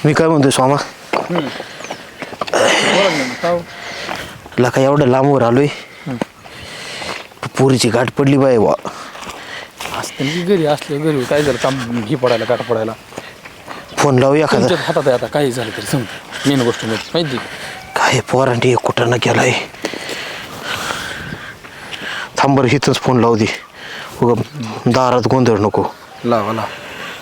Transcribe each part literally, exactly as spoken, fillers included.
मी काय म्हणतोय स्वामा लका एवढं लांबवर आलोय पुरीची गाठ पडली बाय वा असतं की घरी असलं घरी काय झालं काम ही पडायला गाठ पडायला फोन लावू एखादा तुमच्याच हातात आहे आता काही झालं तरी समजा मेन गोष्ट म्हणजे माहिती काय पोरांटी कुठं न केलाय थांबर हिथंच फोन लावू दे उगा दारात गोंधळ नको लावा लावा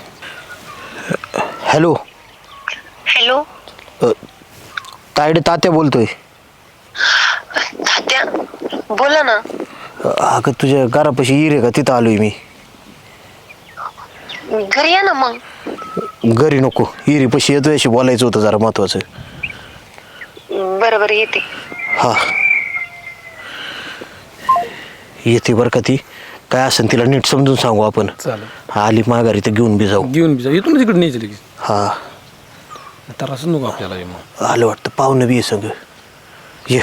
हॅलो हॅलो तायडे तात्या बोलतोय तात्या बोला ना. अगं तुझ्या घरापाशी येईल आहे का तिथं आलोय मी घरी या ना मग. घरी नको इरी पशी येतोय अशी बोलायचं होतं जरा महत्वाचं. बरं बरं येते. हा येते बरं का ती काय असेल तिला नीट समजून सांगू आपण. चालेल आली माघारी तर घेऊन बी जाऊ. घेऊन बी जाऊ इथून तिकडे न्यायचं लगेच हा तर असं नको आपल्याला हे मग आलं वाटतं पाहुणं बी संग ये.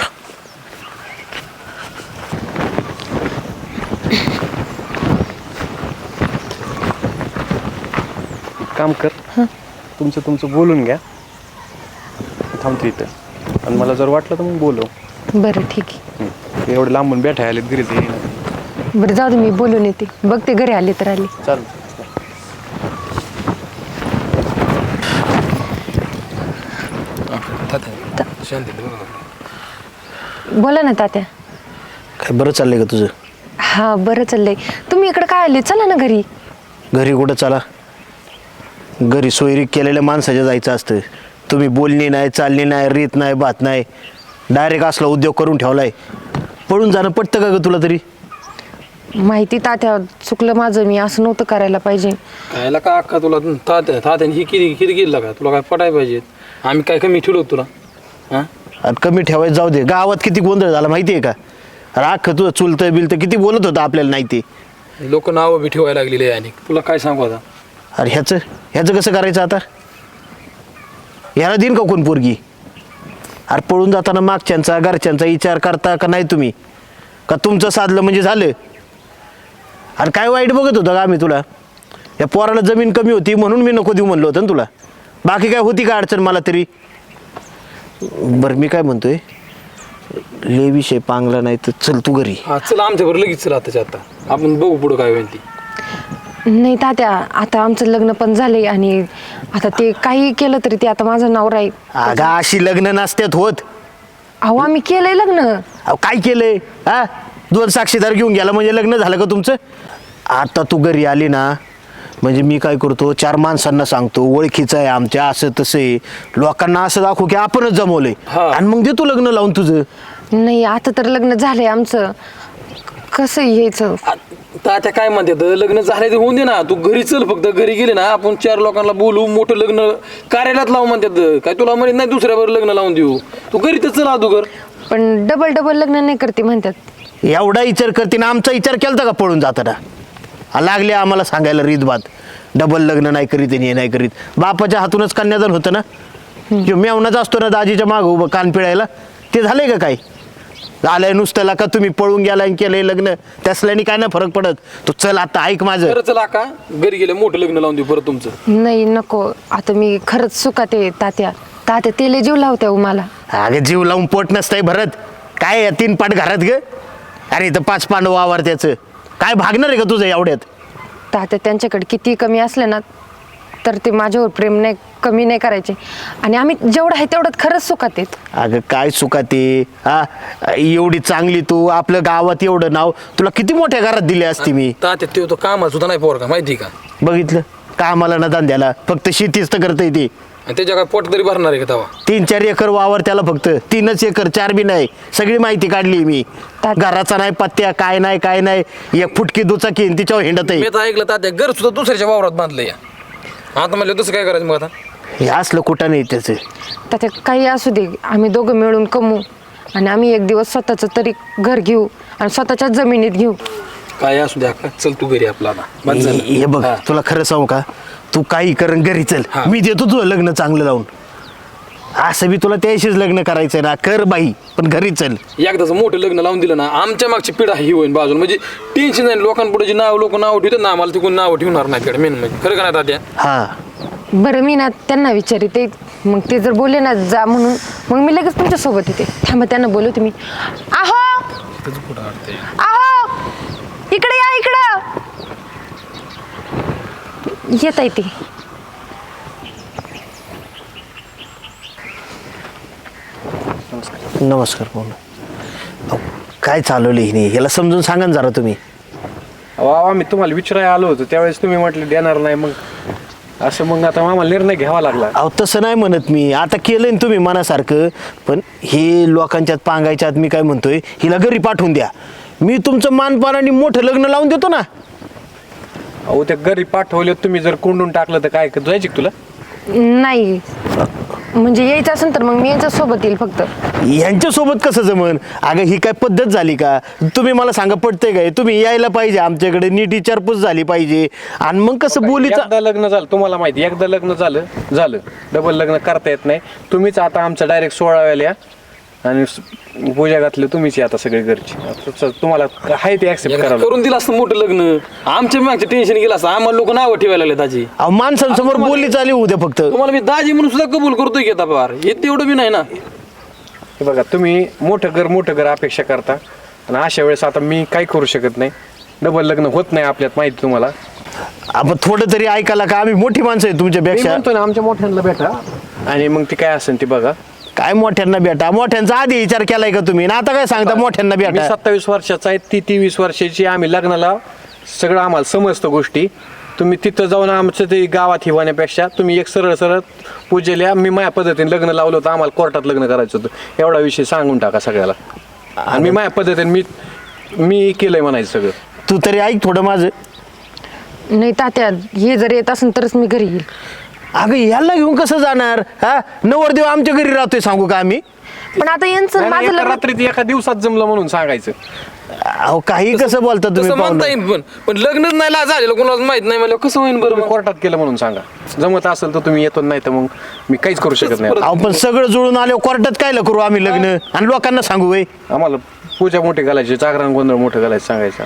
काम कर तुमचं तुमचं बोलून घ्या थांबतो इथं आणि मला जर वाटलं तर मग बोलव. बरं ठीक आहे. एवढं लांबून बैठा आले घरी ते बरं जाऊ दे मी बोलून येते बघते घरी आले तर आले. चाल शांती बोला ना तात्या. काय बरं चाललंय का तुझं. हा बरं चाललंय. तुम्ही इकडे काय आले चला ना घरी. घरी कुठं चला घरी सोयरी केलेल्या माणसाच्या जायचं असतं. तुम्ही बोलणी नाही चालणी नाही रीत नाही बात नाही डायरेक्ट असला उद्योग करून ठेवलाय. पळून जाणं पटतं का ग तुला तरी. माहिती तात्या चुकलं माझं मी असं नव्हतं करायला पाहिजे. कायला का अक्का तुला तात्या तात्याने ही किती किती गेलं का तुला काय पटाय पाहिजे आम्ही काय कमी ठेवलो तुला हां आणि कमी ठेवायचं जाऊ दे. गावात किती गोंधळ झाला माहिती आहे का. राख तुझं चुलतं बिलतं किती बोलत होतं आपल्याला नाही ते. लोक नावं बी ठेवायला लागलेली आहे आणि तुला काय सांगू आता. अरे ह्याचं ह्याचं कसं करायचं आता. ह्याला देईन का कोण पोरगी. अरे पळून जाताना मागच्यांचा घरच्यांचा विचार करता का नाही तुम्ही का तुमचं साधलं म्हणजे झालं. अरे काय वाईट बघत होतं का आम्ही तुला. या पोराला जमीन कमी होती म्हणून मी नको देऊ म्हणलं होतं ना तुला. बाकी काय होती का अडचण मला तरी. बरं मी काय म्हणतोय ले विषय पांगला नाही तर चल तू घरी. हा चला आमच्याबरोबर लगेच चला आताच्या आता आपण बघू पुढं काय होईल ती. नाही तात्या आता आमचं लग्न पण झालंय आणि आता ते काही केलं तरी ते आता माझं नाव राहील. अगं अशी लग्न नसत्यात होत. अहो आम्ही केलंय लग्न. अहो काय केलंय हा दोन साक्षीदार घेऊन गेला म्हणजे लग्न झालं का तुमचं. आता तू घरी आली ना म्हणजे मी काय करतो चार माणसांना सांगतो ओळखीचं आहे आमच्या असं तसं आहे लोकांना असं दाखवू की आपणच जमवलंय आणि मग देतो लग्न लावून तुझं. नाही आता तर लग्न झालंय आमचं कसं यायचं. तात्या काय म्हणतात लग्न झाले ते होऊन दे ना तू घरी चल फक्त घरी गेले ना आपण चार लोकांना बोलू मोठं लग्न कार्यालयात लावू म्हणतात काय तुला म्हणत नाही दुसऱ्यावर लग्न लावून देऊ तू घरी तर चल अदुगर. पण डबल डबल लग्न नाही करते म्हणतात. एवढा विचार करते ना आमचा विचार केलता का पळून जाताना. लागले आम्हाला सांगायला रीत बात डबल लग्न नाही करीत आणि हे नाही करीत. बापाच्या हातूनच कन्यादान होतं ना. जो मेवणाच असतो ना दाजीच्या मागं उभं कान पिळायला ते झालंय का काय. झालंय नुसतं का तुम्ही पळून गेलाय केलंय लग्न त्यासल्याने काय ना फरक पडत. तू चल आता ऐक माझं. खरं चला का घरी गेले मोठं लग्न लावून देऊ परत तुमचं. नाही नको आता मी खरंच सुखात आहे तात्या. तात्या तेले जीव लावत्या मला. अगं जीव लावून पोट नसतंय भरत काय या तीन पाट घरात ग. अरे इथं पाच पांडव वावर त्याचं काय भागणार आहे का तुझं एवढ्यात. तात्या त्यांच्याकडे किती कमी असलं ना तर ते माझ्यावर प्रेम नाही कमी नाही करायचे आणि आम्ही जेवढं आहे तेवढं खरंच सुखात आहेत. अगं काय सुका ते हा एवढी चांगली तू आपलं गावात एवढं नाव तुला किती मोठ्या घरात दिली असती मी. तात्या ते तो कामाला सुद्धा नाही पोर का माहिती का. बघितलं कामाला ना धंद्याला फक्त शेतीच तर करता येते. आणि त्याच्या काय पोट तरी भरणार आहे का तवा. तीन चार एकर वावर त्याला फक्त तीनच एकर चार बी नाही सगळी माहिती काढली मी. घराचा नाही पत्त्या काय नाही काय नाही एक फुटकी दुचाकी तिच्यावर हिंडत आहे. मी तर ऐकलं तात्या घर सुद्धा दुसऱ्याच्या वावरात बांधलं या आता म्हणलं तसं काय करायचं मग आता. हे असलं कुठं नाही त्याचं. तात्या काही असू दे आम्ही दोघं मिळून कमवू आणि आम्ही एक दिवस स्वतःचं तरी घर घेऊ आणि स्वतःच्याच जमिनीत घेऊ. काय असू द्या का चल तू घरी आपला आता. हे बघ तुला खरं सांगू का तू काही कर घरी चल मी देतो तुझं लग्न चांगलं लावून. असं बी तुला त्याशीच लग्न करायचंय ना कर बाई पण घरी चल. एकदाच मोठं लग्न लावून दिलं ना आमच्या मागची पिढा ही होईल बाजूला म्हणजे टेन्शन नाही लोकांपुढे जे नाव लोक नाव ठेवतात ना आम्हाला तिकडून नाव ठेवणार नाही मेन म्हणजे खरं का नाही तात्या. हा बरं मी ना त्यांना विचारते मग ते जर बोलले ना जा म्हणून, मग मी लगेच तुमच्यासोबत येते. थांबा त्यांना बोलवते मी. आहो आहो इकडे या, इकडं येत आहे ते. नमस्कार बोला. अहो, काय चालवलं हिने, याला समजून सांगा ना जरा तुम्ही. वा मी तुम्हाला विचारायला आलो होतो त्यावेळेस तुम्ही म्हटले देणार नाही, मग असं मग आता आम्हाला निर्णय घ्यावा लागला. अहो तसं नाही म्हणत मी, आता केलंय ना तुम्ही मनासारखं, पण हे लोकांच्यात पांगायच्यात मी काय म्हणतोय, हिला घरी पाठवून द्या. मी तुमचं मानपानाने मोठं लग्न लावून देतो ना. अहो त्या घरी पाठवले तुम्ही जर कोंडून टाकलं तर काय जायची तुला? नाही म्हणजे यायचं असेल तर मग मी यांच्या सोबत येईल फक्त. यांच्यासोबत कसं जमन? अगं ही काय पद्धत झाली का? तुम्ही मला सांगा, पटतंय काय? तुम्ही यायला पाहिजे आमच्याकडे, नीट विचारपूस झाली पाहिजे, आणि मग कसं बोलीचा. एकदा लग्न झालं तुम्हाला माहिती, एकदा लग्न झालं झालं डबल लग्न करता येत नाही. तुम्हीच आता आमचं डायरेक्ट सोळाव्याला या आणि पूजा घातली तुम्हीच आता सगळे घरची. तुम्हाला आहे ते ऍक्सेप्ट करा. करून दिलं असतं मोठं लग्न, आमच्या मागचं टेन्शन गेलं असतं. आम्हाला लोक नावं ठेवायला लागले दाजी. अहो माणसांसमोर बोलली चालली उद्या फक्त. तुम्हाला मी दाजी म्हणून सुद्धा कबूल करतोय की आता फार हे तेवढं बी नाही ना. हे बघा तुम्ही मोठं घर मोठं घर अपेक्षा करता आणि अशा वेळेस आता मी काही करू शकत नाही. डबल लग्न होत नाही आपल्यात माहिती तुम्हाला. आपण थोडं तरी ऐकायला का? आम्ही मोठी माणसं आहे मी तुमच्यापेक्षा. म्हणतो ना आमच्या मोठ्यांना भेटा आणि मग ती काय असेल ती बघा. काय मोठ्यांना भेटा? मोठ्यांचा आधी विचार केलाय का तुम्ही? ना आता काय सांगता मोठ्यांना मी भेटा? सत्तावीस वर्षाचा आहे, ती तेवीस वर्षाची. आम्ही लग्नाला सगळं आम्हाला समजतं गोष्टी. तुम्ही तिथं जाऊन आमचं ते गावात हिवाण्यापेक्षा तुम्ही एक सरळ सरळ पूजेल्या मी माझ्या पद्धतीने लग्न लावलं होतं. आम्हाला कोर्टात लग्न करायचं होतं, एवढा विषय सांगून टाका सगळ्याला. आणि मी माझ्या पद्धतीने मी मी केलंय म्हणायचं सगळं. तू तरी ऐक थोडं माझं. नाही तात्या, हे जर येत असेल तरच मी घरी येईल. अगं याला घेऊन कसं जाणार? हा, नवरदेव आमच्या घरी राहतोय सांगू का आम्ही? पण आता यांचं नाही, नाही, माझं एका लग्न. रात्रीत एका दिवसात जमलं म्हणून सांगायचं. अहो काही कसं बोलता तुम्ही तसं म्हणता पाहुणं? येईल पण पण लग्नच नाही ला- झालेलं कोणाला माहित नाही मला कसं होईल बरं तुम्ही मग? कोर्टात केलं म्हणून सांगा. जमत असेल तर तुम्ही येतो, नाही तर मग मी काहीच करू शकत नाही. अहो पण सगळं जुळून आलो कोर्टात कायला करू आम्ही लग्न आणि लोकांना सांगू वय? आम्हाला पूजा मोठी घालायची, जागरण गोंधळ मोठं घालायचं सांगायचं.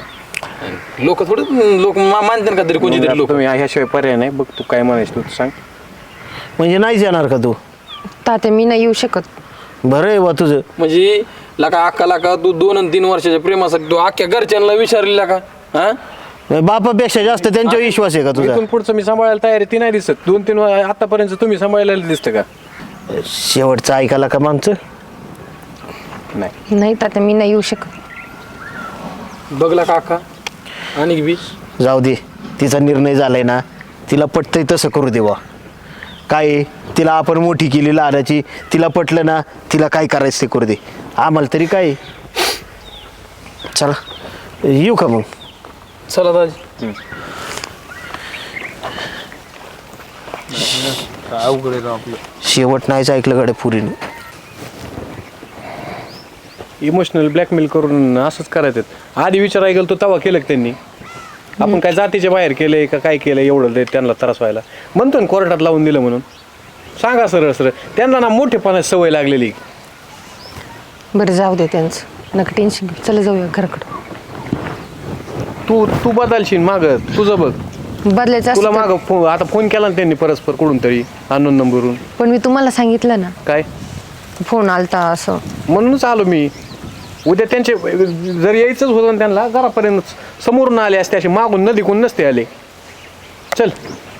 लोक थोडं लोक मानतात का तरी कोणती मग तरी आता लोक. तुम्ही ह्याशिवाय पर्याय नाही. बघ तू काय म्हणायचं तू सांग. म्हणजे नाहीच येणार का तू? तात्या मी नाही येऊ शकत. बरं आहे बा तुझं. म्हणजे लाका अक्का लाका तू दोन आणि तीन वर्षाच्या प्रेमासाठी तू अख्ख्या घरच्यांना विचारलेला का? हा बापापेक्षा जास्त त्यांच्यावर विश्वास आहे का तुझा? इथून पुढचं मी सांभाळायला तयार आहे ती नाही दिसत. दोन तीन वा- आतापर्यंत तुम्ही सांभाळायला दिसतं का? शेवटचं ऐकायला का मग आमचं? नाही. नाही तात्या मी नाही येऊ शकत. बघला का अक्का आणि बी जाऊ दे, तिचा निर्णय झालाय ना, तिला पटतंय तसं करू दे बा. काय आहे, तिला आपण मोठी केली लहानाची, तिला पटलं ना, तिला काय करायचं ते करू दे. आम्हाला तरी काय आहे. चला येऊ का मग? चला दाजी. अवघड आहे आपलं. शेवट नाहीच ऐकलं गाड्या पुरीने. इमोशनल ब्लॅकमेल करून असंच करायचं. आधी विचार ऐकलं तो तवा केलं का त्यांनी? आपण काय जातीच्या बाहेर केलंय का काय केलंय एवढं ते त्यांना त्रास व्हायला? म्हणतो ना कोर्टात लावून दिलं म्हणून. सांगा सरळ सरळ. त्यांना ना मोठेपणाची सवय लागलेली. बरं जाऊ दे त्यांचं, नका टेन्शन घेऊ. चला जाऊया घराकडं. तू तू बदलशील माग तुझं बघ. बदलायचं तुला असतं तर- माग फो आता फोन केला ना त्यांनी परस्पर कुठून तरी अननोन नंबरवरून. पण मी तुम्हाला सांगितलं ना, काय फोन आलता असं. म्हणूनच आलो मी. उद्या त्यांचे जर यायचंच होतं ना त्यांना घरापर्यंत समोरून आले असते, असे मागून नदीकून नसते आले. चल